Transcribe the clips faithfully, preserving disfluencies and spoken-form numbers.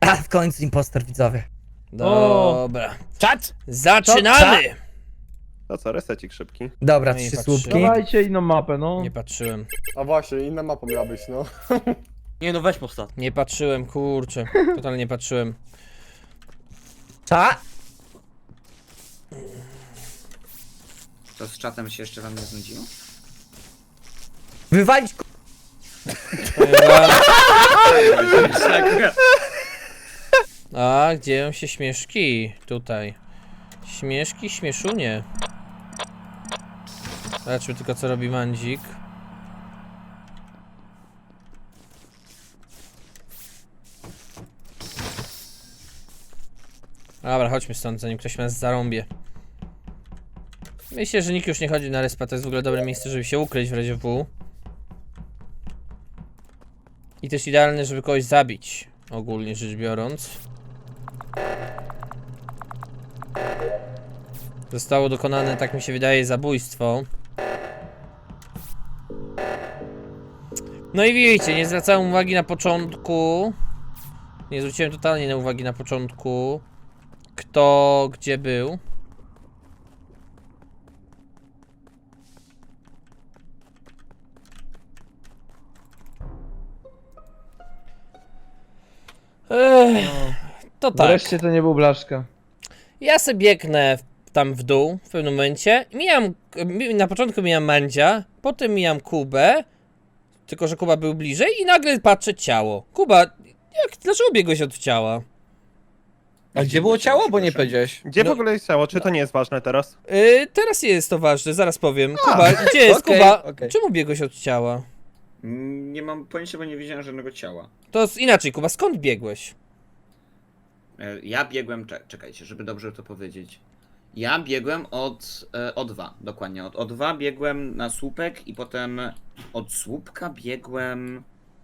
A, w końcu impostor, widzowie. Dobra. Czad! Zaczynamy! To co, resecik szybki. Dobra, No i trzy patrzymy. słupki. Dawajcie inną mapę, no. Nie patrzyłem. A właśnie, inna mapa miała być, no. Nie no, weź postaw. Nie patrzyłem, kurczę. Totalnie nie patrzyłem. Cza? To z czatem się jeszcze wam nie znudziło? Wywalić k***. A, gdzie dzieją się śmieszki? Tutaj. Śmieszki, śmieszunie. Zobaczmy tylko, co robi Mandzik. Dobra, chodźmy stąd, zanim ktoś nas zarąbie. Myślę, że nikt już nie chodzi na respa, to jest w ogóle dobre miejsce, żeby się ukryć w razie W. I też idealne, żeby kogoś zabić, ogólnie rzecz biorąc. Zostało dokonane, tak mi się wydaje, zabójstwo. No i widzicie, nie zwracałem uwagi na początku. Nie zwróciłem totalnie na uwagi na początku, kto gdzie był. Ech, to tak. Wreszcie to nie był Blaszka. Ja sobie biegnę w- tam w dół w pewnym momencie. Mijam, mi- na początku mijam Mandzia, potem mijam Kubę. Tylko że Kuba był bliżej i nagle patrzę ciało. Kuba, jak, dlaczego biegłeś od ciała? A gdzie było ciało? Bo nie powiedziałeś. Gdzie No- w ogóle jest ciało? Czy to nie jest ważne teraz? Yy, teraz jest to ważne, zaraz powiem. Kuba, gdzie jest okej, Kuba? okej. Czemu biegłeś od ciała? Mm, Nie mam pojęcia, bo nie widziałem żadnego ciała. To z, inaczej, Kuba, skąd biegłeś? E, Ja biegłem, cze- czekajcie, żeby dobrze to powiedzieć. Ja biegłem od e, O dwa, dokładnie. Od O dwa biegłem na słupek i potem od słupka biegłem...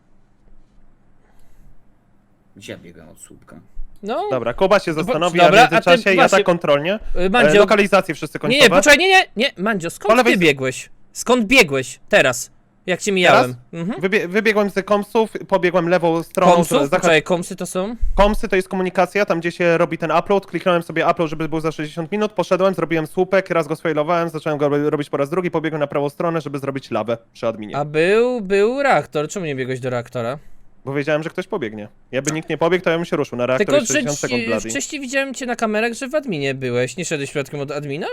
Gdzie ja biegłem od słupka? No, Dobra, Kuba się zastanowi, dobra, a a w międzyczasie ty ja właśnie- tak kontrolnie. yy, E, Mandzio, lokalizacje wszyscy nie, końcowe. nie, poczekaj, nie, nie, nie, Mandzio, Po skąd lewej ty z- biegłeś? Skąd biegłeś? Teraz, jak cię mijałem. Mhm. Wybie wybiegłem z komsów, pobiegłem lewą stroną. Komsów? zahacz- Poczekaj, komsy to są? Komsy to jest komunikacja, tam gdzie się robi ten upload. Kliknąłem sobie upload, żeby był za sześćdziesiąt minut. Poszedłem, zrobiłem słupek, raz go sfailowałem, zacząłem go ro- robić po raz drugi, pobiegłem na prawą stronę, żeby zrobić lawę przy adminie. A był, był reaktor, czemu nie biegłeś do reaktora? Bo wiedziałem, że ktoś pobiegnie. Jakby nikt nie pobiegł, to ja bym się ruszył na reaktor Tylko, i że sześćdziesiąt sekund ci, bloody. wcześniej widziałem cię na kamerach, że w adminie byłeś. Nie szedłeś przypadkiem od admina?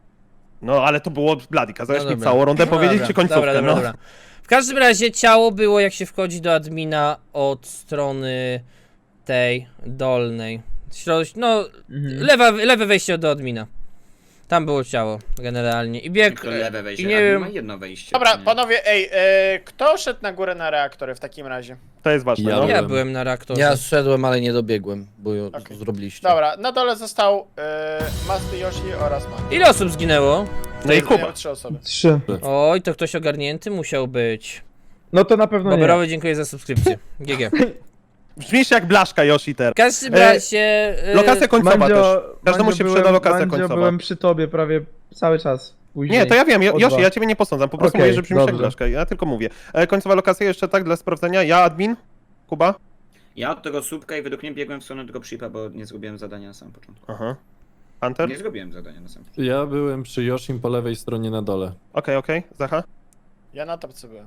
No ale to było bloody, kazałeś No mi dobra. całą rundę No powiedzieć dobra, czy końcówkę, dobra, dobra, no. dobra. W każdym razie ciało było, jak się wchodzi do admina od strony tej dolnej. Środ... No, Mhm. lewa, lewe wejście do admina. Tam było ciało, generalnie. I bieg... Tylko lewe wejście, I nie a wiem... ma jedno wejście. Dobra, nie? panowie, ej, e, kto szedł na górę na reaktory w takim razie? To jest ważne, Ja no. Ja byłem. byłem na reaktorze. Ja zszedłem, ale nie dobiegłem, bo ją Okej. zrobiliście. Dobra, na dole został e, Masty Yoshi oraz Man. Ile osób zginęło? No i Kuba. Miał trzy osoby. Trzy. Oj, to ktoś ogarnięty musiał być. No to na pewno nie. Bobrowy, dziękuję za subskrypcję. G G. Brzmisz jak Blaszka Yoshi teraz. W każdym razie... e, Lokacja końcowa Mandzio, też. Każdemu Mandzio, się byłem, przyda lokacja Mandzio, końcowa. byłem przy tobie prawie cały czas. Później. Nie, to ja wiem, Jo- O Yoshi, dwa. ja ciebie nie posądzam, po prostu Okej, mówię, że brzmisz jak dobrze. Blaszka, ja tylko mówię. E, końcowa lokacja jeszcze tak dla sprawdzenia, ja admin, Kuba. Ja od tego słupka i według mnie biegłem w stronę tego przypa, bo nie zrobiłem zadania na samym początku. Aha. Hunter? Nie Okej, zrobiłem zadania na samym początku. Ja byłem przy Yoshim po lewej stronie na dole. okej, Zacha. Ja na topce byłem.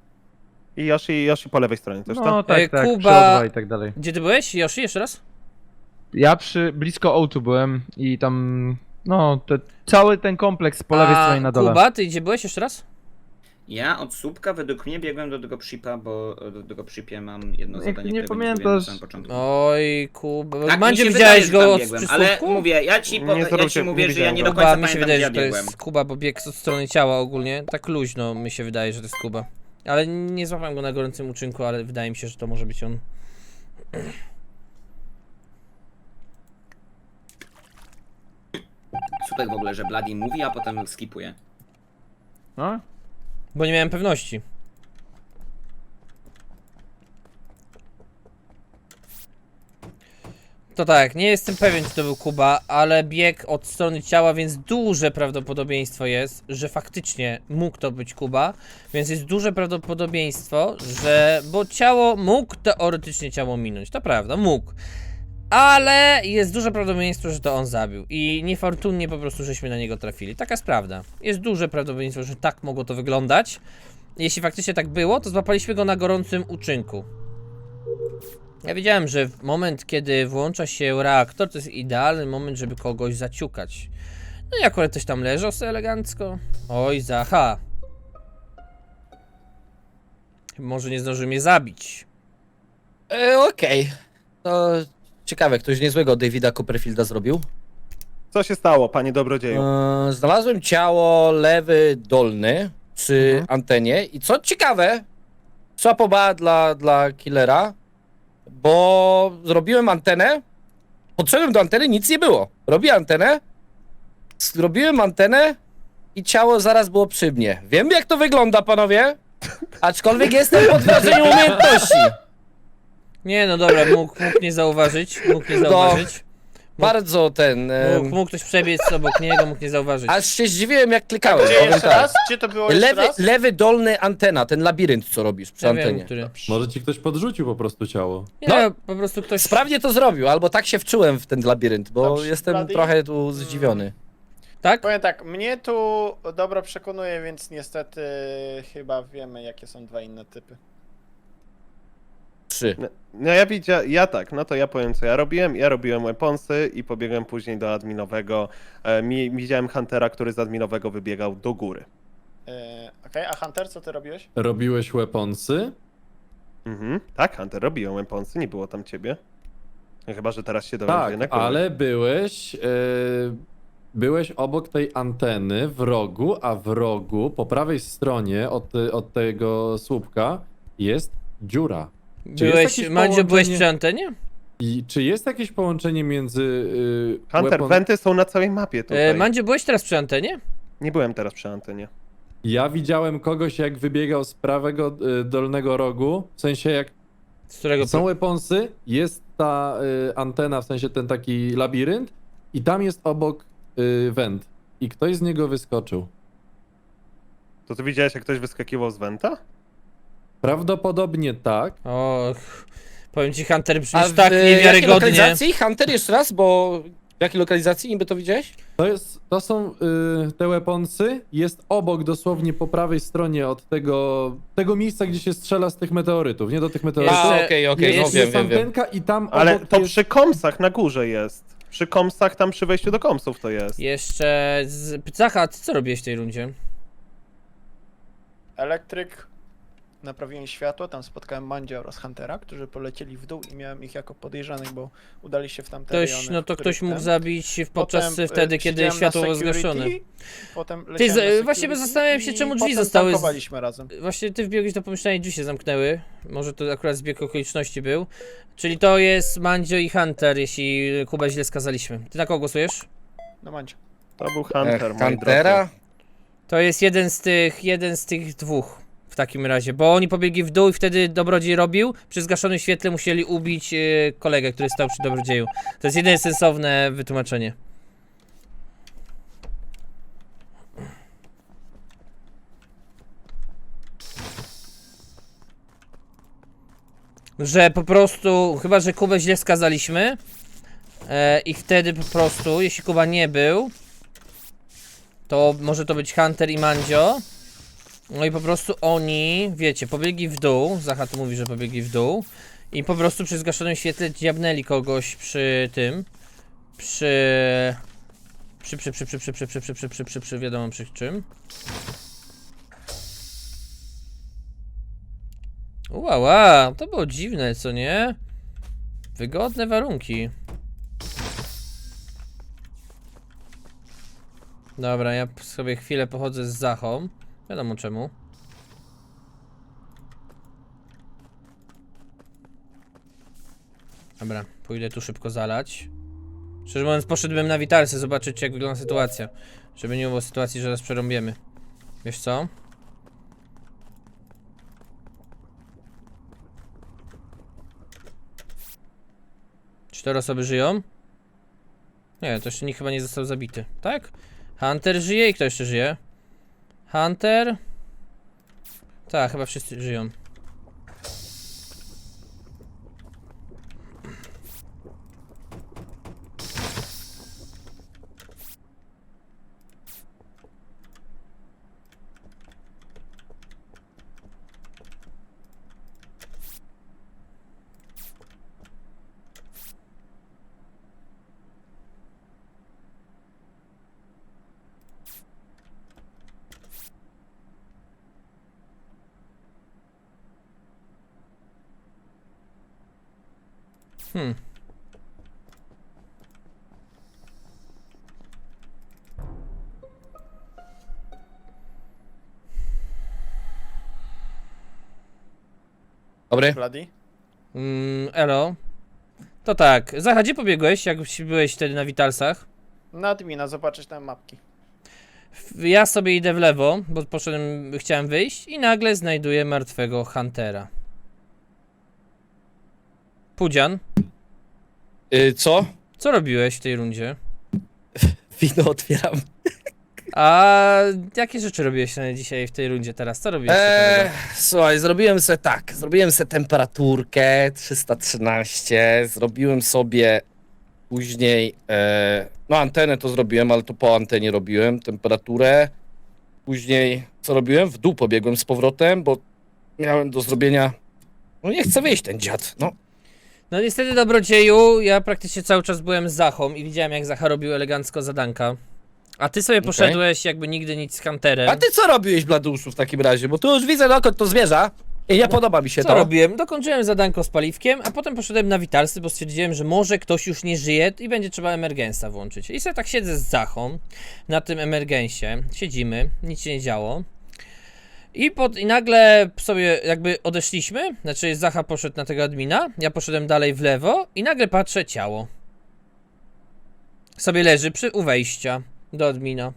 I Yoshi, Yoshi po lewej stronie też, No tak? tak, Ej, tak, Kuba- przy O dwa i tak dalej. Gdzie ty byłeś, Yoshi? Jeszcze raz? Ja przy blisko O dwa byłem i tam, no, te, cały ten kompleks po lewej A stronie na dole. Kuba, ty gdzie byłeś jeszcze raz? Ja od słupka według mnie biegłem do tego przypa, bo do tego przypie mam jedno Jak zadanie, nie którego pamiętasz- zrobiłem na samym początku. Oj, Kuba. Tak, mi Mandzie się widziałeś wydaje, że go tam od biegłem, przysłówku? ale mówię, ja ci, po, Nie ja zwróćcie- ci mówię, nie że ja nie do widziałem Kuba, końca mi się pamiętam, wydaje, gdzie że ja to biegłem. jest Kuba, bo bieg od strony ciała ogólnie. Tak luźno mi się wydaje, że to jest Kuba. Ale nie złapałem go na gorącym uczynku, ale wydaje mi się, że to może być on. Słupek w ogóle, że Bloody mówi, a potem skipuje. No? Bo nie miałem pewności. To tak, nie jestem pewien, czy to był Kuba, ale bieg od strony ciała, więc duże prawdopodobieństwo jest, że faktycznie mógł to być Kuba, więc jest duże prawdopodobieństwo, że... bo ciało mógł teoretycznie ciało minąć, to prawda, mógł. Ale jest duże prawdopodobieństwo, że to on zabił. I niefortunnie po prostu żeśmy na niego trafili. Taka jest prawda. Jest duże prawdopodobieństwo, że tak mogło to wyglądać. Jeśli faktycznie tak było, to złapaliśmy go na gorącym uczynku. Ja wiedziałem, że w moment, kiedy włącza się reaktor, to jest idealny moment, żeby kogoś zaciukać. No i akurat ktoś tam leżał sobie elegancko. Oj, Zacha. Może nie zdąży mnie zabić. E, Okej. To ciekawe, ktoś niezłego Davida Copperfielda zrobił. Co się stało, panie dobrodzieju? E, znalazłem ciało lewy dolny przy Mhm. antenie i co ciekawe, słapoba dla, dla killera, bo zrobiłem antenę, podszedłem do anteny, nic nie było. Robię antenę, zrobiłem antenę i ciało zaraz było przy mnie. Wiem, jak to wygląda, panowie, aczkolwiek jestem pod wrażeniem umiejętności. Nie, no dobra, mógł, mógł nie zauważyć. Mógł nie No. zauważyć. Bardzo ten... em, Mógł, mógł ktoś przebiec obok niego, mógł nie zauważyć. Aż się zdziwiłem, jak klikałem, Gdzie powiem jeszcze tak. raz? Gdzie to było jeszcze Lewy, raz? lewy dolny antena, ten labirynt, co robisz przy Ja wiem, antenie. który. Może ci ktoś podrzucił po prostu ciało. Nie, No. po prostu ktoś... Sprawnie to zrobił, albo tak się wczułem w ten labirynt, bo Dobrze, jestem Blady? trochę tu zdziwiony. Tak? Powiem tak, mnie tu dobro przekonuje, więc niestety chyba wiemy, jakie są dwa inne typy. Trzy. No, no ja widziałem, ja tak, no to ja powiem co ja robiłem. Ja robiłem weaponsy i pobiegłem później do adminowego. E, mi, widziałem Huntera, który z adminowego wybiegał do góry. Yy, Okej, a Hunter, co ty robiłeś? Robiłeś weaponsy? Mhm. Tak, Hunter, robiłem weaponsy, nie było tam ciebie. No, chyba, że teraz się dowiaduję Tak, na kogoś. ale byłeś... e, byłeś obok tej anteny w rogu, a w rogu po prawej stronie od, od tego słupka jest dziura. Czy jest Byłeś, jakieś Mandzio, byłeś połączenie- przy antenie? I czy jest jakieś połączenie między... y, Hunter, weapon- wenty są na całej mapie tutaj. E, Mandzio, byłeś teraz przy antenie? Nie byłem teraz przy antenie. Ja widziałem kogoś, jak wybiegał z prawego y, dolnego rogu, w sensie jak Z którego... są weaponsy, jest ta y, antena, w sensie ten taki labirynt i tam jest obok y, went i ktoś z niego wyskoczył. To ty widziałeś, jak ktoś wyskakiwał z wenta? Prawdopodobnie tak. Och, powiem ci, Hunter, A brzmisz w tak jakiej niewiarygodnie. lokalizacji? Hunter, jeszcze raz, bo w jakiej lokalizacji niby to widziałeś? To, jest, to są y, te weaponsy, jest obok dosłownie po prawej stronie od tego, tego miejsca, gdzie się strzela z tych meteorytów, nie do tych meteorytów. Jeszcze- A, okej, okej, no jest- wiem, jest wiem, wiem. antenka i tam Ale obok to jest... przy komsach na górze jest. Przy komsach, tam przy wejściu do komsów to jest. Jeszcze... Z... Zacha, ty co robiłeś w tej rundzie? Elektryk, naprawiłem światło, tam spotkałem Mandzia oraz Huntera, którzy polecieli w dół i miałem ich jako podejrzanych, bo udali się w tamte Ktoś, rejony, no w to których ktoś mógł ten- zabić w- podczas Potem, e, wtedy, kiedy siedziałem na światło było security, zgaszone. Potem Ty, leciałem z- na właśnie security zastanawiam się, i czemu drzwi potem zostały z- tankowaliśmy razem. Właśnie ty wbiegłeś do pomieszczenia i drzwi się zamknęły. Może to akurat zbieg okoliczności był. Czyli to jest Mandzio i Hunter, jeśli Kubę źle skazaliśmy. Ty na kogo głosujesz? No Mandzio. To był Hunter, Ech, moi Huntera? drodzy. To jest jeden z tych, jeden z tych dwóch w takim razie, bo oni pobiegli w dół i wtedy dobrodziej robił. Przy zgaszonym świetle musieli ubić yy, kolegę, który stał przy dobrodzieju. To jest jedyne sensowne wytłumaczenie. Że po prostu, chyba że Kubę źle skazaliśmy e, i wtedy po prostu, jeśli Kuba nie był, to może to być Hunter i Mandzio. No i po prostu oni, wiecie, pobiegli w dół. Zacha tu mówi, że pobiegli w dół. I po prostu przy zgaszonym świetle dziabnęli kogoś przy tym. Przy... Przy, przy, przy, przy, przy, przy, przy, przy, przy, przy, przy, przy, wiadomo przy czym. Uała, to było dziwne, co nie? Wygodne warunki. Dobra, ja sobie chwilę pochodzę z Zachą. Wiadomo czemu. Dobra, pójdę tu szybko zalać. Szczerze mówiąc, poszedłbym na witalce zobaczyć, jak wygląda sytuacja. Żeby nie było sytuacji, że raz przerąbiemy. Wiesz co? Cztery osoby żyją? Nie, to jeszcze nikt chyba nie został zabity, tak? Hunter żyje i kto jeszcze żyje? Hunter? Tak, chyba wszyscy żyją. Hmm. Dobry. Bloody? Mm, elo. To tak, Zacha, gdzie pobiegłeś, jak byłeś wtedy na Witalsach? Na admina, zobaczyć tam mapki. W- Ja sobie idę w lewo, bo poszedłem, chciałem wyjść i nagle znajduję martwego Huntera. Pudzian, Y, co? co robiłeś w tej rundzie? Wino otwieram. A jakie rzeczy robiłeś na dzisiaj w tej rundzie teraz? Co robiłeś Eee, ciekawego? słuchaj, zrobiłem se tak. Zrobiłem se temperaturkę trzysta trzynaście. Zrobiłem sobie później. E, no, antenę to zrobiłem, ale to po antenie robiłem. Temperaturę. Później co robiłem? W dół pobiegłem z powrotem, bo miałem do zrobienia. No, nie chcę wyjść ten dziad. No, No niestety, dobrodzieju, ja praktycznie cały czas byłem z Zachą i widziałem, jak Zacha robił elegancko zadanka. A ty sobie poszedłeś jakby nigdy nic z Hunterem. a ty co robiłeś, Bladuszu, w takim razie? Bo tu już widzę, dokąd to zmierza. I nie podoba mi się Co to. robiłem? Dokończyłem zadanko z paliwkiem, a potem poszedłem na Witalsy, bo stwierdziłem, że może ktoś już nie żyje i będzie trzeba emergensa włączyć. I sobie tak siedzę z Zachą na tym emergensie, siedzimy, nic się nie działo. I, pod, I nagle sobie jakby odeszliśmy, znaczy Zacha poszedł na tego admina, ja poszedłem dalej w lewo i nagle patrzę, ciało. Sobie leży przy, u wejścia do admina.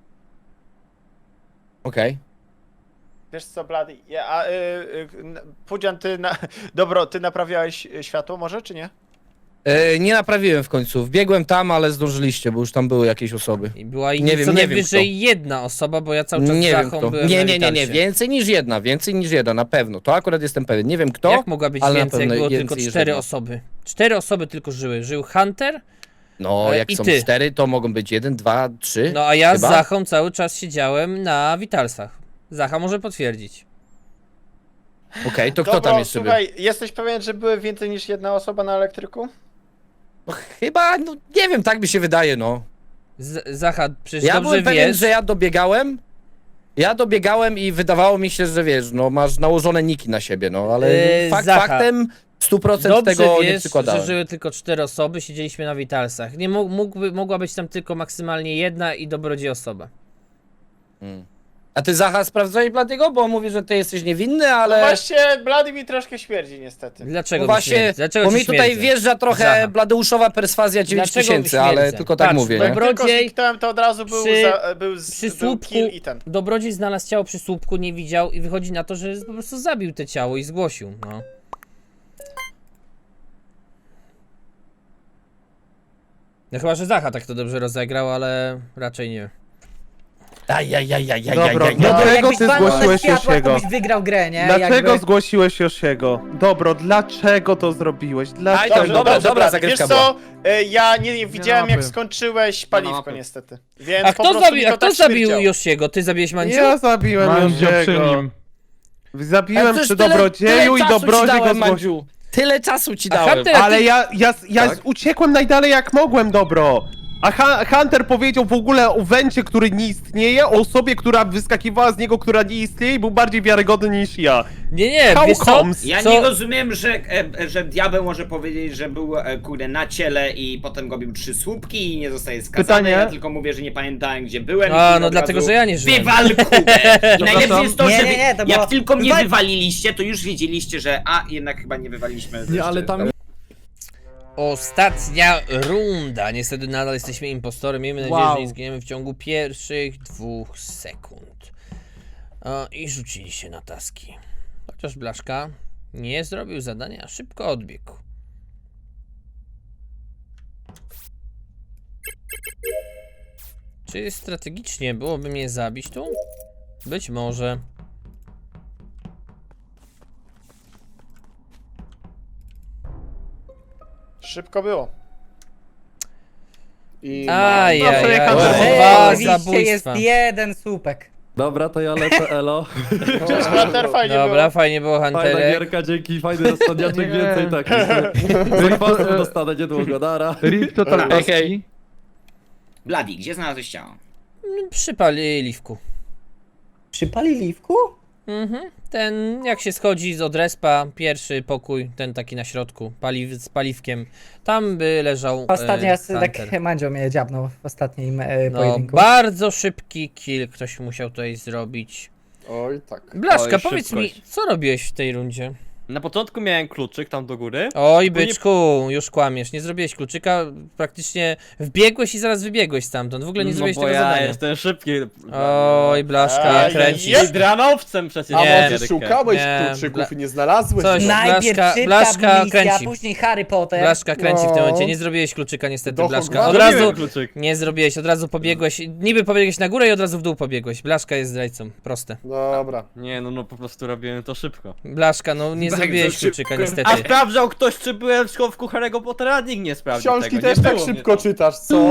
Okej. Wiesz co, Bloody? Ja, a, y, y, n- Pudzian, ty na... Dobro, ty naprawiałeś y, światło może, czy nie? E, nie naprawiłem w końcu. Wbiegłem tam, ale zdążyliście, bo już tam były jakieś osoby. I była i Nie wiem, co nie wiem najwyżej jedna osoba, bo ja cały czas Nie z wiem Zachą kto. byłem Nie, na nie, nie, nie. Witalsie. Więcej niż jedna, więcej niż jedna, na pewno. To akurat jestem pewien. Nie wiem kto. Jak mogła być ale na więcej, jak pewno było więcej tylko niż cztery jedna. osoby? Cztery osoby tylko żyły. Żył Hunter, No, E, jak i są ty. cztery, to mogą być jeden, dwa, trzy. no a ja Chyba? z Zachą cały czas siedziałem na Witalsach. Zacha może potwierdzić. Okej, to kto Dobro, tam jeszcze słuchaj, jesteś pewien, że były więcej niż jedna osoba na elektryku? był? No, chyba, no nie wiem, tak mi się wydaje, no. Z Zacha, przecież Ja dobrze byłem pewien, wiesz... że ja dobiegałem. Ja dobiegałem i wydawało mi się, że wiesz, no masz nałożone niki na siebie, no ale Eee, fakt Zacha, faktem stu procent Dobrze tego nie wiesz, przykładałem. że żyły tylko cztery osoby, siedzieliśmy na Witalsach. Nie mógł, mógłby, mogła być tam tylko maksymalnie jedna i dobrodziej osoba. Hmm. A ty, Zacha, sprawdzałeś Bladiego? Bo on mówi, że ty jesteś niewinny, ale... No właśnie, Bloody mi troszkę śmierdzi niestety. Dlaczego No mi właśnie, śmierdzi? Dlaczego bo ci mi tutaj śmierdzi? wjeżdża trochę Zacha. Bladeuszowa perswazja dziewięć Dlaczego mi tysięcy, ale śmierdzę? tylko tak Patrz, mówię, dobra. nie? Tylko Dobrodziej zniknąłem, to od razu był, przy- za, był, z, przy był słupku kill i ten. Dobrodziej znalazł ciało przy słupku, nie widział i wychodzi na to, że po prostu zabił te ciało i zgłosił, no. No chyba, że Zacha tak to dobrze rozegrał, ale raczej nie. Ajajajajajajaj. Dobro, No, dlaczego jakbyś ty walnął zgłosiłeś ze światła, Yoshiego? to byś wygrał grę, nie? Dlaczego Jakby... zgłosiłeś Yoshiego? Dobro, dlaczego to zrobiłeś? Aj, Dlaczego? dobrze, dobra, dobra, Bloody. zagrywka Wiesz co, y, ja nie, nie widziałem jak mapy. skończyłeś paliwko niestety. Więc A po kto prostu zabił, mi a to kto tak zabił śmierdziało. Yoshiego? Ty zabiłeś Mandzio? Ja zabiłem Mandzio przy Yoshiego. nim. Zabiłem Ale przy przecież tyle- Dobrodzieju tyle i czasu ci Dobrodziej go dałem, zgłosił. Mandziu. Tyle czasu ci A dałem. Hunter- Ale ja, ja, ja Tak? uciekłem najdalej jak mogłem, Dobro. A Ha- Hunter powiedział w ogóle o Wencie, który nie istnieje, o osobie, która wyskakiwała z niego, która nie istnieje i był bardziej wiarygodny niż ja. Nie, nie, How wiesz co? comes? Ja Co? nie rozumiem, że, e, że diabeł może powiedzieć, że był e, kurde na ciele i potem robił trzy słupki i nie zostaje skazany. Pytanie? Ja tylko mówię, że nie pamiętałem gdzie byłem. A, i no od dlatego, razu że ja nie żyłem. Wywal kubę! I najlepsze jest to, Nie, że nie, wy, nie, to było- jak tylko mnie Wywal- wywaliliście, to już wiedzieliście, że a, jednak chyba nie wywaliliśmy. Nie, ale tam Ostatnia runda. Niestety nadal jesteśmy impostorem. Miejmy nadzieję, Wow. że nie zginiemy w ciągu pierwszych dwóch sekund. O, I rzucili się na taski. Chociaż Blaszka nie zrobił zadania, a szybko odbiegł. Czy strategicznie byłoby mnie zabić tu? Być może. Szybko było. I Ajajaj, przejechałem. dwa Oczywiście jest zabójstwa. jeden słupek. Dobra, to ja lecę, elo. Cześć, Hunter, fajnie Dobra, było. fajnie było, Fajna Hunterek. gierka, dzięki, fajny rozsądniaczek, Nie. więcej takich. Zakwasów dostanę niedługo, nara. Rip total Hej, paski. hej. Bladi, gdzie znalazłeś ciało? Przy paliwku. Przy paliwku? Mhm. Ten, jak się schodzi z odrespa, pierwszy pokój, ten taki na środku, paliw, z paliwkiem, tam by leżał Ostatnio e, raz tak Hunter. Mandzio mnie dziabnął w ostatnim e, No, pojedynku. bardzo szybki kill ktoś musiał tutaj zrobić. Oj, tak. Blaszka, Oj, powiedz szybkość. mi, co robiłeś w tej rundzie? Na początku miałem kluczyk tam do góry. Oj, Ogólnie- byczku, już kłamiesz, nie zrobiłeś kluczyka, praktycznie wbiegłeś i zaraz wybiegłeś stamtąd, w ogóle nie no zrobiłeś bo tego ja zadania. jestem szybki. Oj, Blaszka, Ej, kręcisz. jest- Dranowcem przecież. A Nie, może Gierkę. szukałeś Nie, kluczyków bla- i nie znalazłeś? Coś. No. Najpierw Blaszka- szybka Blaszka misja, kręci. później Harry Potter. Blaszka kręci w tym No. momencie, nie zrobiłeś kluczyka niestety, Do Blaszka. Hogwartu. Od razu Zrobiłem kluczyk. nie zrobiłeś, od razu pobiegłeś, niby pobiegłeś na górę i od razu w dół pobiegłeś. Blaszka jest zdrajcą, proste. Dobra. Nie, no no po prostu robiłem to szybko. Blaszka, no nie Bardzo zrobiłeś szybko. kluczyka niestety. A sprawdzał ktoś, czy byłem w schowku Harry'ego Pottera? Nikt nie sprawdził Książki tego. też nie tak było mnie szybko tam. czytasz, co?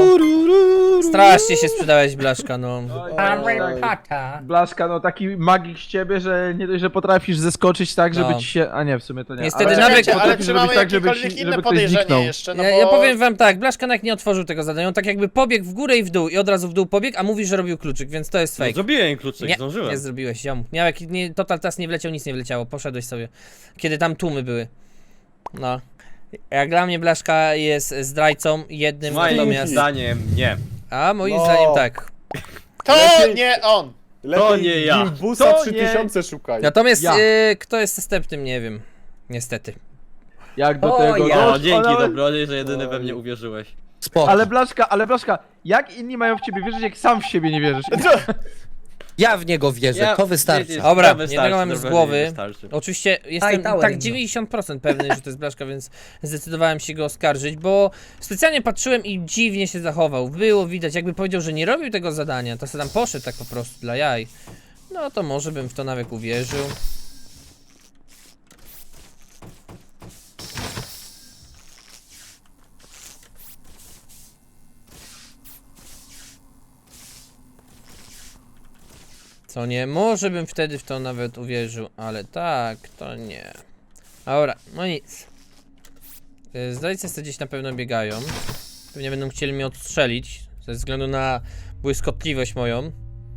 Strasznie się sprzedałeś, Blaszka, no. Harry Oj. Potter. Blaszka, no taki magik z ciebie, że nie dość, że potrafisz zeskoczyć tak, żeby No. ci się... A nie, w sumie to nie. Niestety ale nawet- Czekajcie, ale potrafisz czy mamy zrobić tak, żeby, jakiekolwiek ci, inne żeby ktoś zniknął. podejrzenie jeszcze? No Ja, bo... ja powiem wam tak, Blaszka nawet nie otworzył tego zadania, on tak jakby pobiegł w górę i w dół i od razu w dół pobiegł, a mówi, że robił kluczyk, więc to jest No, fake. zrobiłem kluczyk, Nie, zdążyłem. nie zrobiłeś, ziom. Miał jak, nie, total tas nie wleciał, nic nie wleciało, poszedłeś sobie. Kiedy tam tłumy były. No. Jak dla mnie Blaszka jest zdrajcą jednym, Moim natomiast... zdaniem nie. A moim No. zdaniem tak. To Lepiej- nie on! Lepiej To nie ja. Gimbusa To trzy nie- tysiące szukaj. Natomiast Ja. y, kto jest następnym, nie wiem. Niestety. Jak do O, tego... ja. doszło, O, dzięki ale- Dobrodziej, że jedyny we Oj. mnie uwierzyłeś. Spoko. Ale Blaszka, ale Blaszka, jak inni mają w ciebie wierzyć, jak sam w siebie nie wierzysz? Ja w niego wierzę, Ja- to wystarczy. wiecie, Dobra, to wystarczy, jednego mam z Dobrodziej, głowy. wystarczy. Oczywiście jestem Tower tak Inno. dziewięćdziesiąt procent pewny, że to jest Blaszka, więc zdecydowałem się go oskarżyć, bo specjalnie patrzyłem i dziwnie się zachował. Było widać, jakby powiedział, że nie robił tego zadania, to sobie tam poszedł tak po prostu dla jaj. No to może bym w to nawet uwierzył. Co nie, może bym wtedy w to nawet uwierzył, ale tak, to nie. Dobra, no nic. Y, Zdrajcy sobie gdzieś na pewno biegają. Pewnie będą chcieli mnie odstrzelić, ze względu na błyskotliwość moją.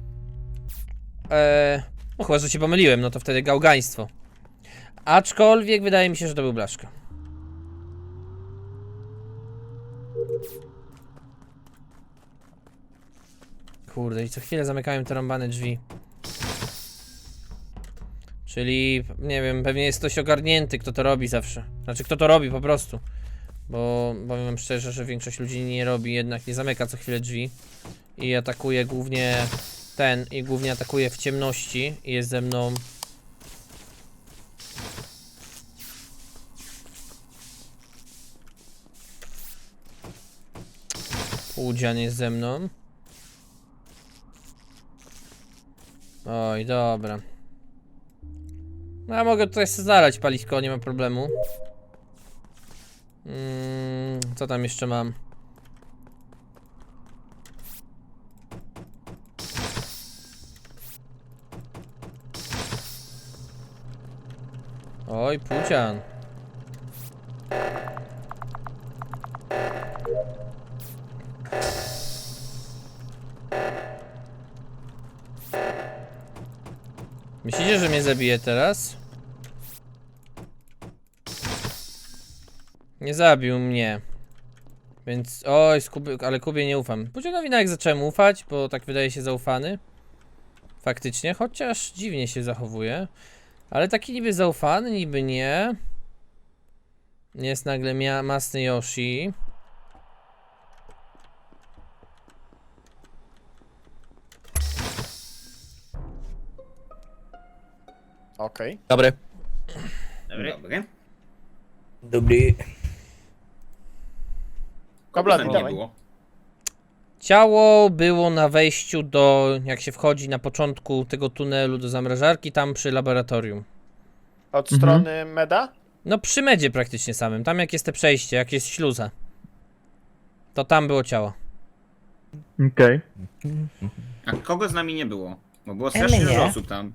Eee, no chyba, że się pomyliłem, no to wtedy gałgaństwo. Aczkolwiek wydaje mi się, że to był Blaszka. Kurde, i co chwilę zamykają te rąbane drzwi. Czyli, nie wiem, pewnie jest ktoś ogarnięty, kto to robi zawsze. Znaczy, kto to robi po prostu. Bo powiem wam szczerze, że większość ludzi nie robi, jednak nie zamyka co chwilę drzwi. I atakuje głównie ten, i głównie atakuje w ciemności i jest ze mną. Półdzian jest ze mną. Oj, dobra. No, ja mogę tutaj sobie znaleźć palisko, nie ma problemu. Mm, co tam jeszcze mam? Oj, Pucian. Myślicie, że mnie zabije teraz? Nie zabił mnie. Więc, oj, z Kuby, ale Kubie nie ufam. Pucianowi nawet zacząłem ufać, bo tak wydaje się zaufany. Faktycznie, chociaż dziwnie się zachowuje. Ale taki niby zaufany, niby nie. Jest nagle mia masny Yoshi. Okej. Dobry. Dobry. Dobry. Dobry. Kabla, Tam nie dawaj. było. Ciało było na wejściu do, jak się wchodzi na początku tego tunelu do zamrażarki, tam przy laboratorium. Od Mhm. strony meda? No przy medzie praktycznie samym, tam jak jest te przejście, jak jest śluza. To tam było ciało. Okej. A kogo z nami nie było? Bo było strasznie mnie. dużo osób tam.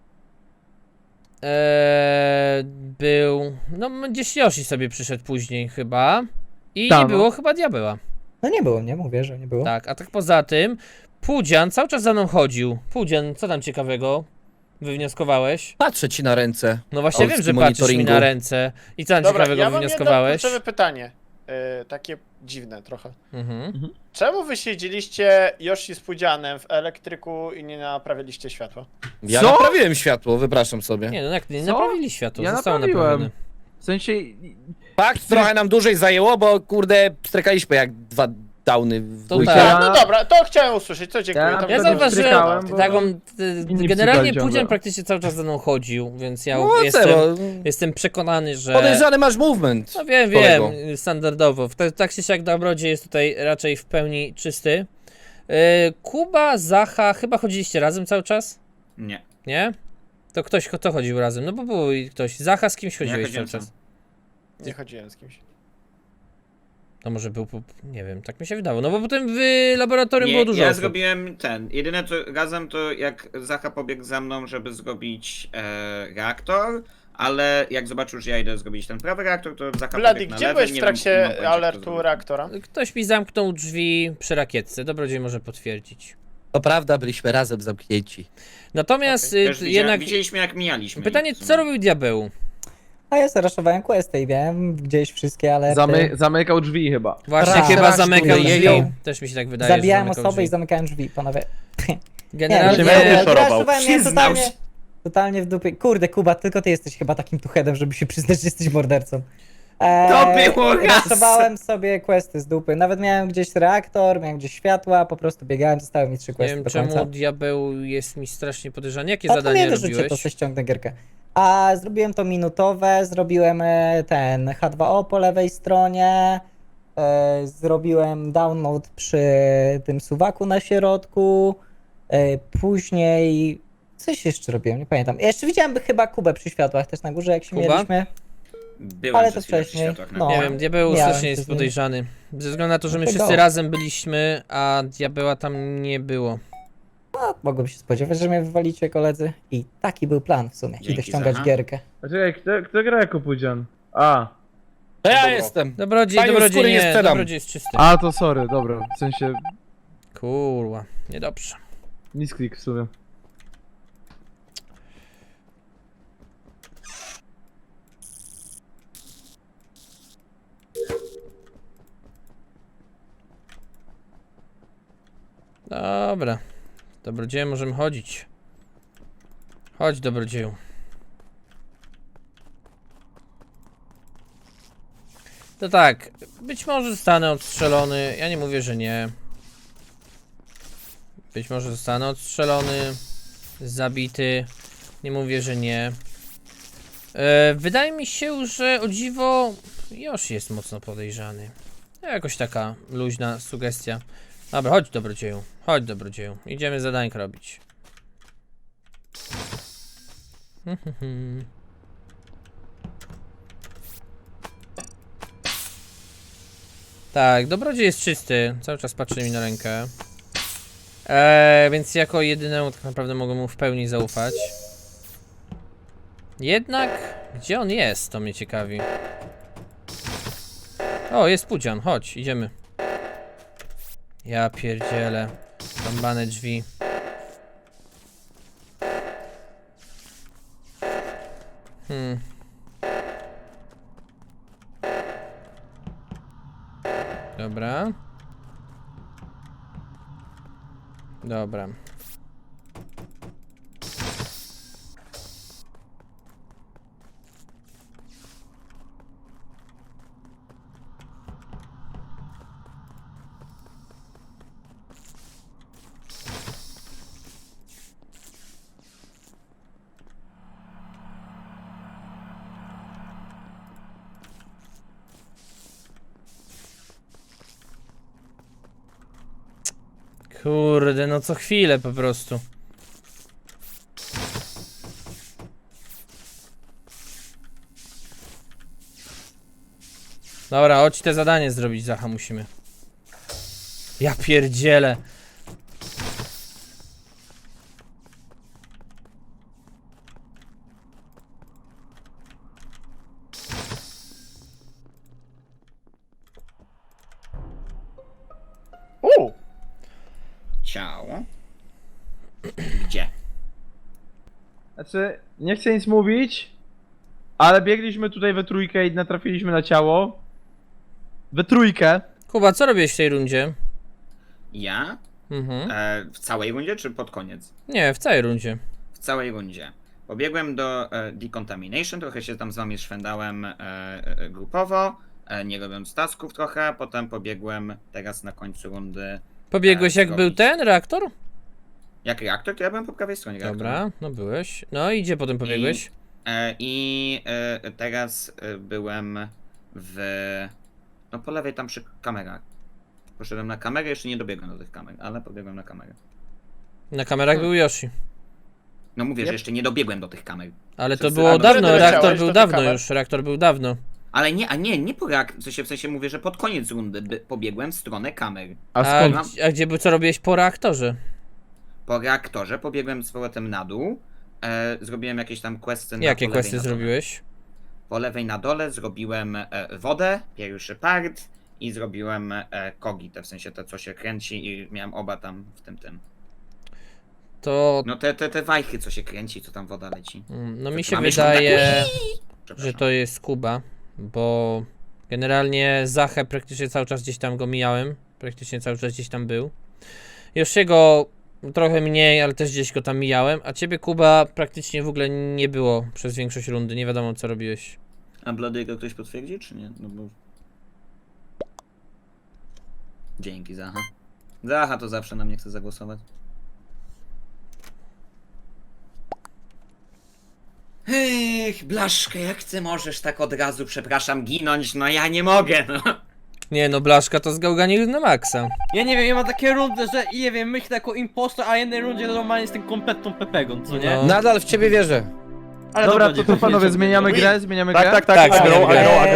Eee, był, no gdzieś Yoshi sobie przyszedł później chyba. I Tam, nie no. było chyba diabeła. No nie było, nie mówię, że nie było. Tak, a tak poza tym, Pudzian cały czas za mną chodził. Pudzian, co tam ciekawego? wywnioskowałeś? Patrzę ci na ręce. No właśnie wiem, Olski że patrzysz mi monitoringu. na ręce. I co tam Dobra, ciekawego ja mam jedno wywnioskowałeś? kluczowe pytanie. Yy, takie dziwne trochę. Mhm. Czemu wy siedzieliście Yoshi z Pudzianem w elektryku i nie naprawiliście światła? Ja Co? naprawiłem światło, wypraszam sobie. Nie no jak nie Co? naprawili światło, Ja zostało naprawiłem. naprawione. W sensie... Fakt, trochę nam dłużej zajęło, bo kurde, strekaliśmy jak dwa downy w To dwójkę. tak. A, no dobra, to chciałem usłyszeć, to dziękuję. Ja Tam wtedy Ja wtedy zauważyłem, strykałem, bo- taką, y, Inni generalnie psychali ciągle. Pudzian praktycznie cały czas za mną chodził, więc ja No, jestem, co, jestem przekonany, że... podejrzany masz movement. No wiem, kolego. wiem, standardowo. W- Tak czy siak Dobrodziej jest tutaj raczej w pełni czysty. Yy, Kuba, Zacha, chyba chodziliście razem cały czas? Nie. Nie? To ktoś, kto chodził razem? No bo był i ktoś. Zacha, z kimś Ja chodziłeś cały chodziłem czas? sam. Nie chodziłem z kimś. No może był, po- nie wiem, tak mi się wydało. No bo potem w laboratorium Nie, było dużo ja osób. zrobiłem ten. Jedyne co razem to jak Zacha pobiegł za mną, żeby zrobić e, reaktor, ale jak zobaczył, że ja idę zrobić ten prawy reaktor, to Zacha Blady, pobiegł na gdzie lewy, byłeś nie w wiem, nie mam trakcie pojęcia, kto alertu zrobił. reaktora? Ktoś mi zamknął drzwi przy rakietce. Dobrodziej może potwierdzić. To prawda, byliśmy razem zamknięci. Natomiast Okej. y, Też t- widzia, jednak widzieliśmy jak mijaliśmy. pytanie, ich w sumie. co robił Diabeł? A ja zaraszowałem questy i wiem gdzieś wszystkie, ale... Zamy, zamykał drzwi chyba. Właśnie Raz. chyba Raz zamykał tu drzwi. jeją. Też mi się tak wydaje, Zabijałem że zamykał osobę drzwi. i zamykałem drzwi, panowie. Generalnie... Nie, nie, nie. ja szorował. zaraszowałem, miałem Przyznał totalnie, się. totalnie w dupie. Kurde, Kuba, tylko ty jesteś chyba takim tuchedem, żeby się przyznać, że jesteś mordercą. Eee, To było raz. Raszowałem sobie questy z dupy. Nawet miałem gdzieś reaktor, miałem gdzieś światła, po prostu biegałem, zostały mi trzy Nie questy wiem do czemu końca. Diabeł jest mi strasznie podejrzany. Jakie A to zadanie nie wyrzućcie, robiłeś? to sobie ściągnę gierkę. A zrobiłem to minutowe, zrobiłem e, ten H dwa O po lewej stronie, e, zrobiłem download przy tym suwaku na środku, e, później coś jeszcze robiłem, nie pamiętam. Ja jeszcze widziałem chyba Kubę przy światłach też na górze, jak się Kuba? mieliśmy. Byłem ale przez to chwilę przy wcześniej, światłach na no. Nie górze. wiem, Diabeł Miałem strasznie jest coś z nim. podejrzany. Ze względu na to, że my Dlatego. wszyscy razem byliśmy, a Diabeła tam nie było. No, mogłem się spodziewać, że mnie wywalicie koledzy. I taki był plan w sumie. Idę Dzięki, ściągać Zacha. gierkę. A czekaj, kto, kto gra jako Pudzian? A. To ja Dobra. jestem. Dobrodziej, Panią dobrodziej skóry nie nie, sprzedam. dobrodziej jest czysty. A, to sorry, dobra. W sensie... Kurwa, niedobrze. Misklik w sumie. Dobra. Dobrodzieju, możemy chodzić. Chodź, dobrodzieju. To tak, być może zostanę odstrzelony, ja nie mówię, że nie. Być może zostanę odstrzelony, zabity, nie mówię, że nie. E, wydaje mi się, że o dziwo Yoshi jest mocno podejrzany. Jakoś taka luźna sugestia. Dobra, chodź dobrodzieju, chodź dobrodzieju, idziemy zadańkę robić. Tak, dobrodziej jest czysty, cały czas patrzy mi na rękę. Eee, więc jako jedynemu tak naprawdę mogę mu w pełni zaufać. Jednak, gdzie on jest, to mnie ciekawi. O, jest Pudzian, chodź, idziemy. Ja pierdzielę. Rąbane drzwi. Hmm. Dobra. Dobra. Kurde, no co chwilę po prostu. Dobra, chodź te zadanie zrobić, Zacha, musimy. Ja pierdzielę. Uuu, Ciało. Gdzie? Znaczy, nie chcę nic mówić, ale biegliśmy tutaj we trójkę i natrafiliśmy na ciało. We trójkę. Kuba, co robiłeś w tej rundzie? Ja? Mhm. E, w całej rundzie, czy pod koniec? Nie, w całej rundzie. W całej rundzie. Pobiegłem do e, Decontamination, trochę się tam z wami szwendałem e, e, grupowo, e, nie robiąc tasków trochę, potem pobiegłem teraz na końcu rundy. Pobiegłeś E, jak był zrobić- ten reaktor? Jak reaktor, to ja byłem po prawej stronie reaktora. Dobra, no byłeś. No i gdzie potem pobiegłeś? E, I e, teraz e, byłem w... No po lewej tam przy kamerach. Poszedłem na kamerę, jeszcze nie dobiegłem do tych kamer, ale pobiegłem na kamerę. Na kamerach był Yoshi. No mówię, Yep. że jeszcze nie dobiegłem do tych kamer. Ale to Wszyscy- było A, no, dawno, kiedy reaktor leciałeś był do dawno kamer? już, reaktor był dawno. Ale nie, a nie, nie po reak... w sensie, w sensie mówię, że pod koniec rundy by, pobiegłem w stronę kamer. A A, skąd? mam- gdzie- a gdzie był, co robiłeś po reaktorze? Po reaktorze pobiegłem z powrotem na dół. E, zrobiłem jakieś tam questy na Jakie po lewej questy na dole. zrobiłeś? Po lewej na dole zrobiłem e, wodę, pierwszy part i zrobiłem e, kogi, te w sensie te co się kręci i miałem oba tam w tym tym. To... No te, te, te wajchy co się kręci, co tam woda leci. mm, No mi To się mamy jeszcze wydaje, taką- że Przepraszam. to jest Kuba, bo generalnie Zachę praktycznie cały czas gdzieś tam go mijałem, praktycznie cały czas gdzieś tam był. Yoshiego trochę mniej, ale też gdzieś go tam mijałem, a ciebie Kuba praktycznie w ogóle nie było przez większość rundy, nie wiadomo co robiłeś. A Blody'ego ktoś potwierdzi, czy nie? No bo... Dzięki, Zacha. Zacha to zawsze na mnie chce zagłosować. Ech, Blaszka, jak ty możesz tak od razu, przepraszam, ginąć? No ja nie mogę, no. Nie no, Blaszka to zgałganił na maksa. Ja nie wiem, ja mam takie rundy, że nie wiem, myślę jako impostor, a jednej rundzie normalnie jestem kompletną pepegą, co nie? No. Nadal w ciebie wierzę. Ale Dobra, nie to co panowie, wiem, zmieniamy Win. grę, zmieniamy Tak, grę? tak, tak, Tak, agro, zmieniamy grę. agro, agro.